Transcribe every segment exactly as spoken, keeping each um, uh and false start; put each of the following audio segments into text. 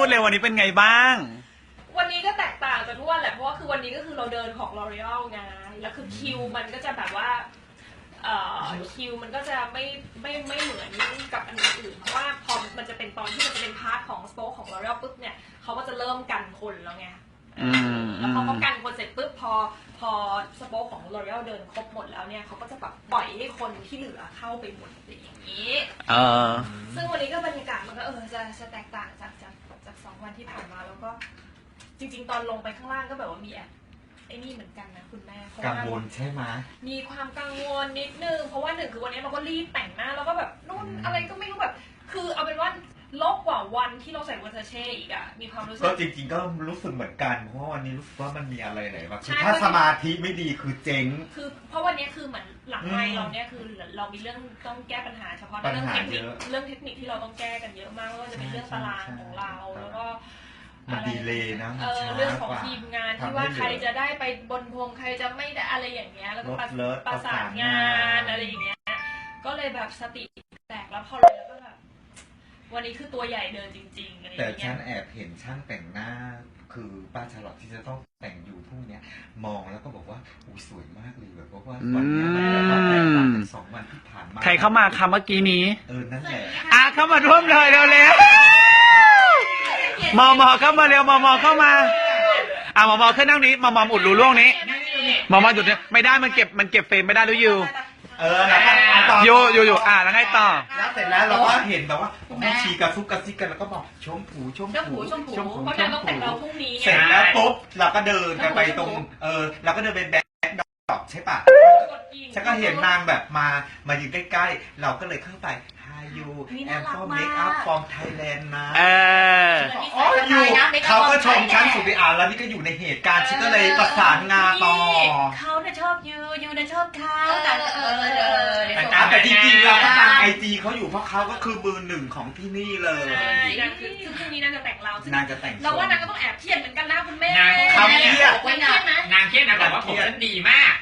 เลยวันนี้เป็นไงบ้างวันนี้ก็แตกต่างจากทุกวันแหละเพราะว่าคือวันนี้ก็คือเราเดินของ L'Oreal ไงแล้วคือคิวมันก็จะแบบว่าเอ่อคิวมันก็จะไม่ไม่ไม่เหมือนกับอันอื่นเพราะว่าพอมันจะเป็นตอนที่มันจะเป็นพาร์ทของสโป๊คของ L'Oreal ปุ๊บเนี่ยเขาก็จะเริ่มกันคนแล้วไงแล้วพอเขากันคนเสร็จปุ๊บพอพอสโป๊คของ L'Oreal เดินครบหมดแล้วเนี่ยเขาก็จะแบบปล่อยให้คนที่เหลือเข้าไปหมดอย่างนี้เออซึ่งวันนี้ก็บรรยากาศมันก็เออจะจะแตกต่างจากจากจากสองวันที่ผ่านมาแล้วก็จริงๆตอนลงไปข้างล่างก็แบบว่ามีแอบไอ้นี่เหมือนกันนะคุณแม่กังวลใช่ไหมมีความกังวลนิดนึงเพราะว่าหนึ่งคือวันนี้เราก็รีบแต่งหน้าแล้วก็แบบนู่นอะไรก็ไม่รู้แบบคือเอาเป็นว่าลบกว่าวันที่เราใส่วอเทอร์เช่อีกอะมีความรู้สึกก็จริงๆก็รู้สึกเหมือนกันเพราะวันนี้รู้สึกว่ามันมีอะไรไหนบ้างคือถ้าสมาธิไม่ดีคือเจ๊งคือเพราะวันนี้คือเหมือนหลังไมค์เราเนี่ยคือเรามีเรื่องต้องแก้ปัญหาเฉพาะเรื่องเทคนิคเรื่องเทคนิคที่เราต้องแก้กันเยอะมากว่าจะเป็นเรื่องตารางของเราแล้วก็มันดีเลยนะเออเรื่องของทีมงานที่ว่าใครจะได้ไปบนพวงใครจะไม่ได้อะไรอย่างเงี้ยแล้วก็ประสานงานอะไรอย่างเงี้ยก็เลยแบบสติแตกแล้วพอเลยแล้วก็แบบวันนี้คือตัวใหญ่เดินจริงๆอะไรอย่างเงี้ยแต่เงี้ยฉันแอบเห็นช่างแต่งหน้าคือป้าชาลอตที่จะต้องแต่งอยู่พรุ่งนี้มองแล้วก็บอกว่าอุ้ยสวยมากเลยแบบว่าวันนี้มันแบบว่าแตกต่างจากสองวันที่ผ่านมาใครเข้ามาคำเมื่อกี้นี้เออนั่นแหละอ่ะเข้ามาร่วมเลยเร็วๆมอมอเข้ามาเร็วมอมอเข้ามาอ่ะมอมอขึ้นนั่งนี้มอมออุดรูร่วงนี้มอมอหยุดเนี่ยไม่ได้มันเก็บมันเก็บเฟรมไม่ได้หรืออยู่เออแล้วก็ต่ออยู่อยู่อยู่อ่ะแล้วไงต่อแล้วเสร็จแล้วเราก็เห็นแบบว่าผมต้องชีกระซุกกระซิกกันแล้วก็บอกชมผูชมผูชมผูเพราะฉะนั้นต้องแต่งเราพรุ่งนี้เสร็จแล้วปุ๊บเราก็เดินกันไปตรงเออเราก็เดินไปแบ็คดอกใช่ปะฉันก็เห็นนางแบบมามายืนใกล้ๆเราก็เลยเข้าไปยูแอมฟอร์เมคอัพฟอร์มไทยแลนด์นะเอออ๋ออยู่เขาก็ชมฉันสุดไปอ่านแล้วนี่ก็อยู่ในเหตุการณ์ฉันก็เลยประสานงานต่อเขาเนี่ยชอบยูยูเนี่ยชอบเขาแต่เออเออแต่จริงๆเราก็ตามไอจีเขาอยู่เพราะเขาก็คือมือหนึ่งของที่นี่เลยใช่คือคือพรุ่งนี้นางจะแต่งเรานางจะแต่งเราว่านางก็ต้องแอบเครียดเหมือนกันนะคุณแม่นางทำเครียดนางเครียดนะนางเครียดนะแต่ว่าผมฉันดีมาก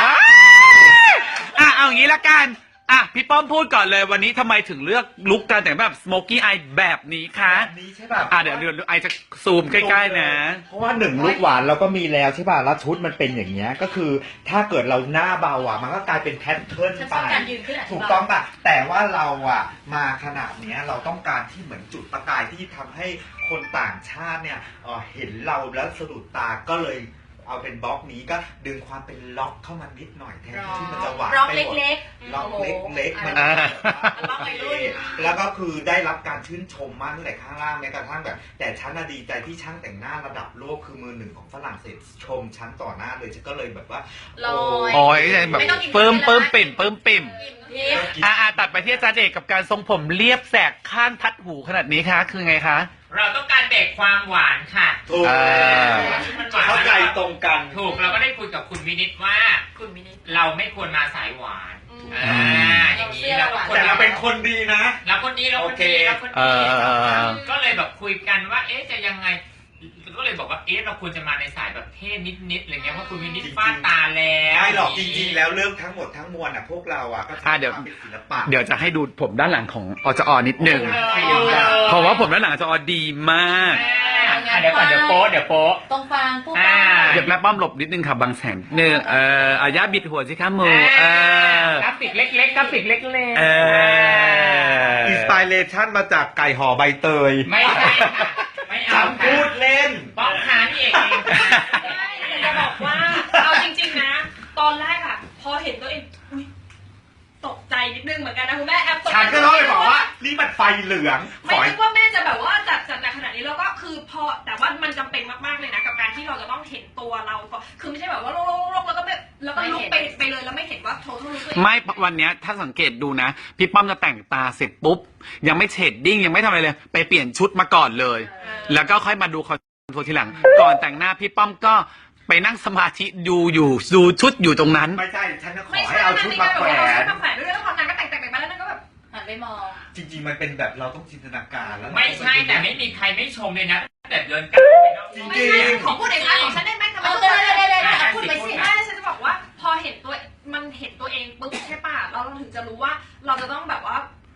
อ่ะเอาอย่างนี้ละกันอ่ะพี่ป้อมพูดก่อนเลยวันนี้ทำไมถึงเลือกลุคการแต่งแบบสโมกี้อายแบบนี้คะแบบนี้ใช่ป่ะอ่ะเดี๋ยวเดี๋ยวไอจะซูมใกล้ๆนะเพราะว่าหนึ่งลุคหวานเราก็มีแล้วใช่ป่ะแล้วชุดมันเป็นอย่างเงี้ยก็คือถ้าเกิดเราหน้าเบาอ่ะมันก็กลายเป็นแพทเทิร์นไปถูกต้องป่ะแต่ว่าเราอ่ะมาขนาดเนี้ยเราต้องการที่เหมือนจุดประกายที่ทำให้คนต่างชาติเนี่ยเห็นเราแล้วสะดุดตาก็เลยเอาเป็นบล็อกนี้ก็ดึงความเป็นล็อกเข้ามานิดหน่อยแทนที่มันจะหวานล็อกเล็กๆล็อกเล็กๆมันแล้วก็คือได้รับการชื่นชมมากตั้งแต่ข้างล่างแม้กระทั่งแบบแต่ฉันดีใจที่ช่างแต่งหน้าระดับโลกคือมือหนึ่งของฝรั่งเศสชมฉันต่อหน้าเลยฉันก็เลยแบบว่าโอ้ยแบบเพิ่มเพิ่มปิ่มเพิ่มปิ่มอ่าตัดไปที่อาจารย์เอกกับการทรงผมเรียบแสกข้างทัดหูขนาดนี้คะคือไงคะเราต้องการเบรกความหวานค่ะถูกเข้าใจตรงกันถูกเราก็ได้คุยกับคุณวินิตว่าคุณวินิตเราไม่ควรมาสายหวานอ่าอย่างนี้เราแต่เราเป็นคนดีนะเราคนดีเราคนดีเราคนดีก็เลยแบบคุยกันว่าเอ๊ะจะยังไงก็เลยบอกว่าเอ๊ะเราควรจะมาในสายแบบเท่นิดๆอะไรเงี้ยเพราะคุณวินิตฟาดตาแล้วไม่หรอกจริงๆแล้วเรื่องทั้งหมดทั้งมวลอ่ะพวกเราอ่ะก็เดี๋ยวเป็นศิลปะเดี๋ยวจะให้ดูผมด้านหลังของอจอนิดนึงเพราะว่าผมด้านหลังอจอดีมากเดี๋ยวก่อนเดี๋ยวโป๊เดี๋ยวโป๊ตรงฟางปุ๊บเดี๋ยวแม่ป้อมหลบนิดนึงค่ะบางแสนเนื้อเอออาญาบิดหัวสิคะมือเออกราฟิกเล็กๆกราฟิกเล็กๆเอออินสไปเรชั่นมาจากไก่ห่อใบเตยไม่ใช่ไม่เอาพูดเล่นป้องหานี่เองจะบอกว่าเอาจริงๆนะตอนแรกอะพอเห็นตัวเองตกใจนิดนึงเหมือนกันนะคุณแม่แอบตกใจฉันก็ต้องไปบอกว่านี่มันไฟเหลืองไม่นึกว่าแม่จะแบบว่าจัดจัดในขนาดนี้แล้วก็คือพอแต่ว่ามันจำเป็นมากๆเลยนะกับการที่เราจะต้องเห็นตัวเราก็คือไม่ใช่แบบว่าโล่งๆแล้วก็ไม่แล้วก็ลุกไปไปเลยแล้วไม่เห็นว่าโทรทุกไม่วันนี้ถ้าสังเกตดูนะพี่ป้อมจะแต่งตาเสร็จปุ๊บยังไม่เชดดิ้งยังไม่ทำอะไรเลยไปเปลี่ยนชุดมาก่อนเลยแล้วก็ค่อยมาดูคอนโทรทีหลังก่อนแต่งหน้าพี่ป้อมก็ไปนั่งสมาธิดูอยู่ดูชุดอยู่ตรงนั้นไม่ใช่ฉันก็ขอให้เอาชุดมาแขวนมาแขวนด้วยแล้วพอนางก็แต่งแต่งไปแล้วนางก็แบบหันไปมองจริงๆมันเป็นแบบเราต้องจินตนาการแล้วไม่ใช่แต่ไม่มีใครไม่ชมเลยนะแต่เดินกันจริงๆของพูดเองนะของฉันได้ไหมทำไมได้ได้ได้ได้พูดไปสิไม่ฉันจะบอกว่าพอเห็นตัวมันเห็นตัวเองปุ๊บใช่ป่ะเราถึงจะรู้ว่าเราจะต้องแบบว่า pull off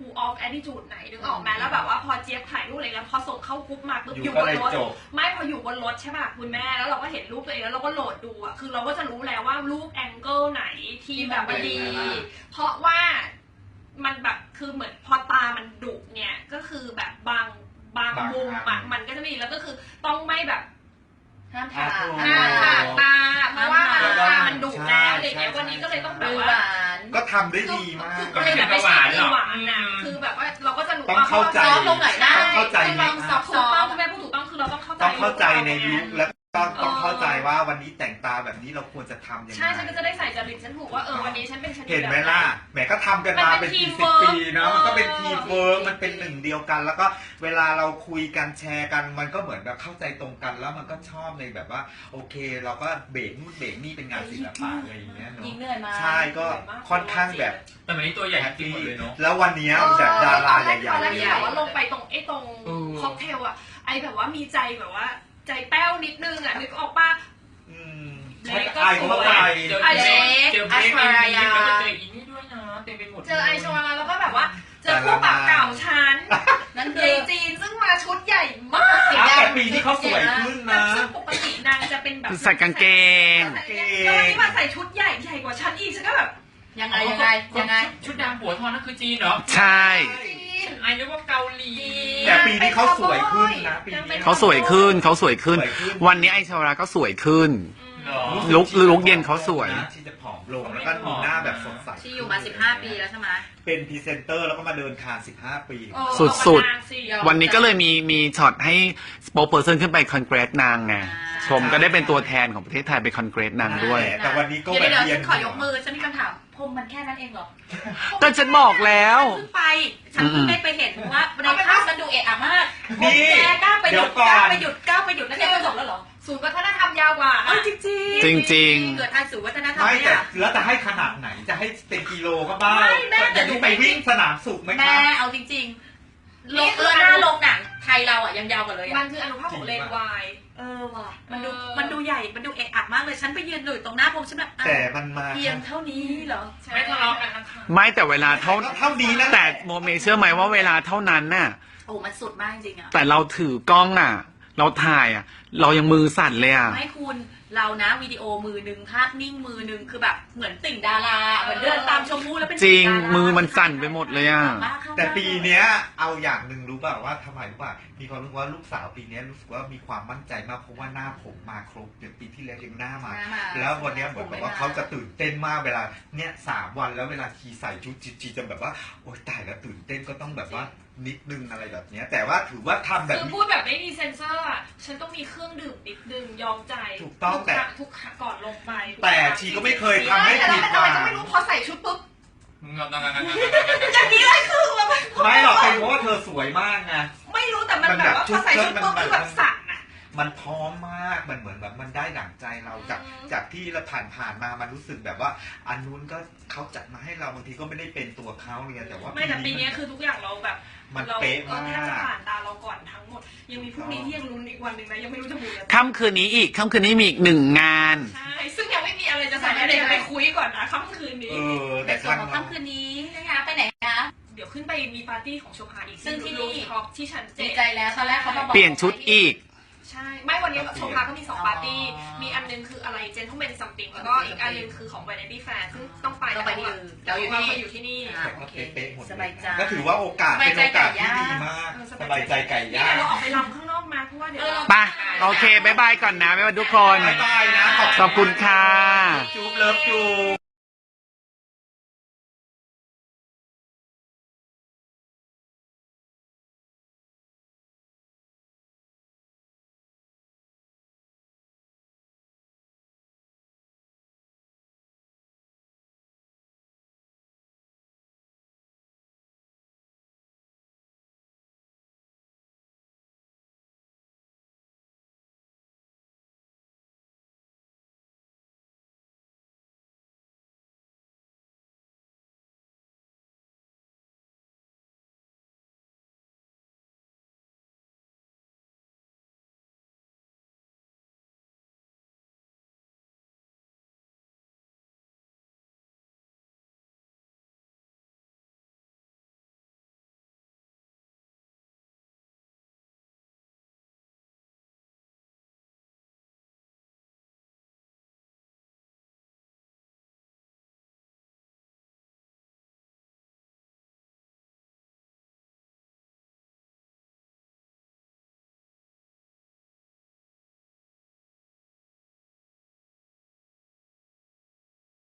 attitude ไหนนึกออกไหมแล้วแบบว่าพอเจี๊ยบถ่ายรูปอะไรแล้วพอส่งเข้ากรุ๊ปมาปุ๊บอยู่อยู่ก็บนเลยรถจบไม่พออยู่บนรถใช่ป่ะคุณแม่แล้วเราก็เห็นรูปตัวเองแล้วเราก็โหลดดูอ่ะคือเราก็จะรู้แล้วว่ารูปแองเกิลไหนที่แบบว่าดี เพราะว่ามันแบบคือเหมือนพอตามันดุเนี่ยก็คือแบบบางบางบางมุมอัอ่ะนมันก็จะไม่ดีแล้วก็คือต้องไม่แบบห้ามถากหน้าผากตาเพราะว่ามันใช่ตามันดุแล้วอะไรเงี้ยใช่วันนี้ก็เลยต้องแบบดูว่าหวานก็ทำได้ดีมากคือคือแต่ไม่ใช่ดีหวานนะคือแบบว่าเราก็จะรู้ต้องว่าเข้าใจซอฟต์ลงหน่อยได้ต้องเข้าใจคือไหมลองคซรัอบ ฟต์ถูกต้องคุณแม่พูดถูกต้องคือเราต้องเข้าใจต้องเข้าใจในลุคคแล้วก็ต้องเออเข้าใจว่าวันนี้แต่งตาแบบนี้เราควรจะทำยังไงใช่ฉันก็จะได้ใส่จริตฉันถูกว่าเออวันนี้ฉันเป็นชนิดเห็นไหมแบบล่ะแหมก็ทำกันมามันเป็เป็นนกี่ teamwork สิบปีเนาะมันก็เป็นเออทีมเวิร์กมันเป็นหนึ่งเดียวกัน แล้วก็เวลาเราคุยกันแชร์กัน มันก็เหมือนแบบเข้าใจตรงกัน แล้วมันก็ชอบในแบบว่า โอเค เราก็เบรกนู่นเบรกนี่เป็นงานศิลปะอะไรอย่างเงี้ยเนาะยิงเหนื่อยมาใช่ก็ค่อนข้างแบบแต่วันนี้ตัวใหญ่จริงหมดเลยเนาะแล้ววันเนี้ยแบบดาราใหญ่ตอนแรกๆที่แบบว่าลงไปตรงไอ้ตรงเออค็อกเทลอะไอแบบว่ามีใจแบบว่า ใจแป้วนิดนึงอะนึกออกป่ะอืมเล็กก็ใช่เขาก็ไปเจอไอเจเล็อก เจอเบรกมีแล้วก็เจออีนี่ด้วยนะเต็มไปหมดเจอไอชวาแล้วก็แบบว่า เจอคู่ปรับเก่าฉันนั่นคืเยอจีนซึ่งมาชุดใหญ่มากสีอ้าวดำแต่ปีที่เขาสวยขึ้นแบบนะซึ่งปกตินางจะเป็นแบบใส่กางเกงแล้ววันนี้มาใส่ชุดใหญ่ใหญ่กว่าฉันอีกฉันก็แบบยังไงยังไงยังไงชุดดำหัวทองนั่นคือจีนเหรอใช่จีนไอ้นึกว่าเกาหลีแต่ปีนี้เขาสวยขึ้นนะปีนี้เขาสวยขึ้นเขาสวยขึ้นสวยขึ้นวันนี้ไอชาวราก็สวยขึ้นเหรอลุคลุคเย็นเขาสวยที่จะผอมลงแล้วก็ดูหน้าแบบสดใสที่อยู่มาสิบห้าปีแล้วใช่ไหมเป็นพรีเซนเตอร์แล้วก็มาเดินคานสิบห้าปีเออสุดๆเอามานางสิวันนี้ก็เลยมีมีช็อตให้สปอคเปอร์เซนขึ้นไปคอนเกรสนางไง ชมก็ได้เป็นตัวแทนของประเทศไทยไปคอนเกรสนางด้วยแต่วันนี้ก็เดี๋ยวแบบเดี๋ยวเรียฉันนขอยกมือฉันมีคำถามพรมมันแค่นั้นเองเหรอก็ฉันบอกแล้วฉันเพิ่งไปฉันเพิ่งได้ไปเห็นว่าในภาพมันดูเอะอะมากนี่แกกล้าไปหเดี๋ยุยวดก่กอล้าน ไปหยุดกล้าไปหยุดแล้วแกก็จบแล้วเหรอศูนย์วัฒนธรรมยาวกว่าเออจริงจริงจริงเกิดทางสู่วัฒนธรรมไม่เนี่แต่ยแล้วจะให้ขนาดไหนจะให้เป็นกิโลก็บ้าไม่แม่แต่อย่างนี้ไปวิ่งสนามสุขไหมคแม่รับเอาจริงๆลงเออหน้าลงหนังไทยเราอ่ะยังยาวกว่าเลยมัอ่ะนคืออนุภาคของเลนวายเออว่ะมันดูเออมันดูใหญ่มันดูเอะอะมากเลยฉันไปยืนอยู่ตรงหน้าพรมฉันแบบอ่ะแต่มันมาเพียงเท่านี้เหรอไม่ทะเลาะกันนะคะไม่แต่เวลาเท่าก็เท่านี้นั่นแหแต่ละโมเมเชื่อไหมว่าเวลาเท่านั้นน่ะโอ้มันสุดมากจริงๆอ่ะแต่เราถือกล้องอ่ะ เราถ่ายอ่ะ เรายังมือสั่นเลยอ่ะไม่คุณเรานะวิดีโอมือหนึ่งภาพนิ่งมือหนึ่งคือแบบเหมือนติ่งดาราเหมือนเดินตามชมพู่แล้วเป็นจริงติ่ดาามือมันสั่นไปหมดเลยอ่ะบ้าเข้าแต่ปีเนี้ยเอาอย่างหนึ่งรู้ป่ะว่าทำไมรู้ป่ะมีความรู้สึกว่าลูกสาวปีเนี้ยรู้สึกว่ามีความมั่นใจมากเพราะว่าหน้าผมมาครบเดี๋ยวปีที่แล้วยังหน้ามาหน้ามาแล้ววันเนี้ยเหมือนแบบว่าเขาจะตื่นเต้นมากเวลาเนี่ยสามวันแล้วเวลาทีใส่ชุดจีจีจะแบบว่าโอ๊ยตายแล้วตื่นเต้นก็ต้องแบบว่านิดนึงอะไรแบบเนี้ยแต่ว่าถือว่าทำแบบคือนี้พูดแบบไม่มีเซนเซอร์อ่ะ ฉันต้องมีเครื่องดื่มนิดนึงยอมใจถูกต้องทุแต่ครั้ทุกครั้งก่อนลงไปแต่ชีก็ไม่เคยทำให้แต่ผิแล้วดเป็นหอะไรวังก็ไม่รู้พอใส่ชุดปุ๊บงงงงงงอย่างนี้เลยคือแบบไม่หรอกเป็นเพราะว่าเธอสวยมากไงไม่รู้แต่มันแบบว่าพอใส่ชุดปุ๊บคือแบบสั่นอ่ะมันพร้อมมากมันเหมือนแบบมันได้ดั่งใจเราจากอืมจากที่เราผ่านผ่านมามันรู้สึกแบบว่าอันนู้นก็เขาจัดมาให้เราบางทีก็ไม่ได้เป็นตัวเขาเลยแต่ว่าไม่แต่ปีนี้คือทุกอย่างเราแบบมันเราเป๊ะเออมาแทบจะกผ่านตาเราก่อนทั้งหมด ยังมีพรุ่งนี้ที่ยังลุ้นอีกวันหนึ่งนะยังไม่รู้จะบุญอะไรค่ำคืนนี้อีก ค่ำคืนนี้มีอีกหนึ่งงานใช่ซึ่งยังไม่มีอะไรจะใส่เดี๋ยวจะไปคุยก่อนนะค่ำคืนเอนี้อในแต่ส่วนครั้งของค่ำคืนนี้นะคะไปไหนคะเดี๋ยวขึ้นไปมีปาร์ตี้ของโชพาอีกซึ่งที่นี่ท็อปที่ชั้นเจ็ดีดใจแล้วตอนแรกเขามาบอกเปลี่ยนชุดอีกใช่ ไม่วันนี้โชพาก็มีสองปาร์ตี้ มีอันนึงคืออะไร Gentleman Something แล้วก็อีกอันนึงคือของ Vanity Fair ซึ่งต้องไปต้องไปที่อื่นเราเราออยู่ ยู่ที่นี่นี่อ่าแต่ก็เป๊ะๆหมดเลสบายใจก็ถือว่าโอกาสเป็นโอกาสที่ดีมากสบายใจไก่นี่ย่างเดี๋ยวเราออกไปรำข้างนอกมาเพราะว่าเดี๋ยวเราไป โอเค บ๊ายบายก่อนนะ บ๊ายบายทุกคนบ๊ายบายนะขอบคุณค่ะจุ๊บเลิฟจุ๊บ